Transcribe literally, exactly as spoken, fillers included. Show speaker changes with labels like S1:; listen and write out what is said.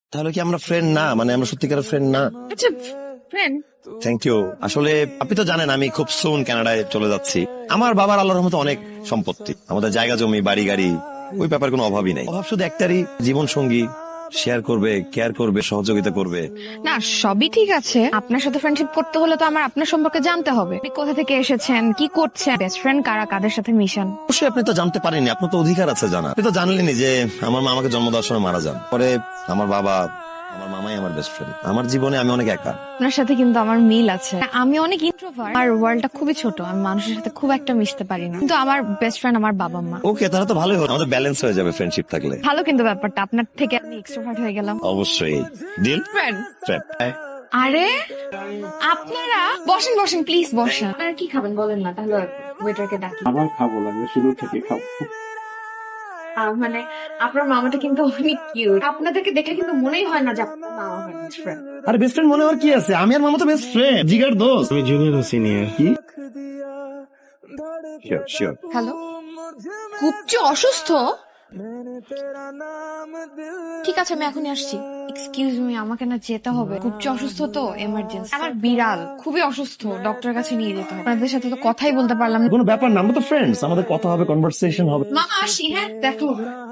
S1: তাহলে কি আমরা ফ্রেন্ড না? মানে আমরা সত্যিকারের ফ্রেন্ড না?
S2: আচ্ছা ফ্রেন্ড।
S1: Thank you. আসলে আপনি তো জানেন আমি খুব সুন কানাডায় চলে যাচ্ছি। আমার বাবার আল্লাহর রহমতে অনেক সম্পত্তি, আমাদের জায়গা জমি বাড়ি গাড়ি, ওই ব্যাপার কোনো অভাবই নেই। অভাব শুধু একটারই, জীবন সঙ্গী শেয়ার করবে, কেয়ার করবে, সহযোগিতা করবে।
S2: না সবই ঠিক আছে, আপনার সাথে ফ্রেন্ডশিপ করতে হলে তো আমার আপনার সম্পর্কে জানতে হবে। আপনি কোথা থেকে এসেছেন, কি করছেন, বেস্ট ফ্রেন্ড কারা, কাদের সাথে মিশন।
S1: অবশ্যই আপনি তো জানতে পারেননি, আপনার তো অধিকার আছে জানা। আপনি তো জানলেনই যে আমার মা আমাকে জন্ম দেওয়ার সময় মারা যান। পরে আমার বাবা, আমার মামাই আমার বেস্ট ফ্রেন্ড। আমার জীবনে আমি অনেক একা।
S2: আপনার সাথে কিন্তু আমার মিল আছে। আমি অনেক ইন্ট্রোভার্ট, আমার ওয়ার্ল্ডটা খুবই ছোট, আমি মানুষের সাথে খুব একটা মিশতে পারি না, কিন্তু আমার বেস্ট ফ্রেন্ড আমার বাবা মা।
S1: ওকে, তাহলে তো ভালোই হলো, আমাদের ব্যালেন্স হয়ে যাবে ফ্রেন্ডশিপ থাকলে।
S2: ভালো কিন্তু ব্যাপারটা, আপনার থেকে আমি এক্সট্রোভার্ট হয়ে গেলাম।
S1: অবশ্যই ডিল।
S2: ফ্রেন্ড।
S1: ফ্রেন্ড।
S2: আরে আপনারা বসেন বসেন প্লিজ বসেন। আপনারা কি খাবেন বলেন না, তাহলে ওয়েটারকে ডাকি।
S3: আবার খাবো লাগবে, শুরু থেকে খাবো।
S2: আহ, মানে আপনার মামাটা কিন্তু অনেক কিউট, আপনাদেরকে দেখলে কিন্তু মনেই হয় না যে আপনার মামা আমার বেস্ট ফ্রেন্ড।
S1: আরে বেস্ট ফ্রেন্ড মনে হওয়ার কি আছে? আমি আর মামা তো বেস্ট ফ্রেন্ড, জিগার দোস্ত।
S3: তুমি জুনিয়র ও সিনিয়র? কি?
S1: Sure sure.
S2: হ্যালো, কুপচু অসুস্থ? ঠিক আছে আমি এখনই আসছি। এক্সকিউজ মি, আমাকে না যেতে হবে, কুপচু অসুস্থ তো, এমার্জেন্সি। আমার বিড়াল খুবই অসুস্থ, ডক্টরের কাছে নিয়ে যেতে হবে। আপনাদের সাথে তো কথাই বলতে পারলাম না।
S1: কোনো ব্যাপার না, আমরা তো ফ্রেন্ডস, আমাদের কথা হবে, কনভারসেশন হবে।
S2: মামা আসি, হ্যাঁ দেখো।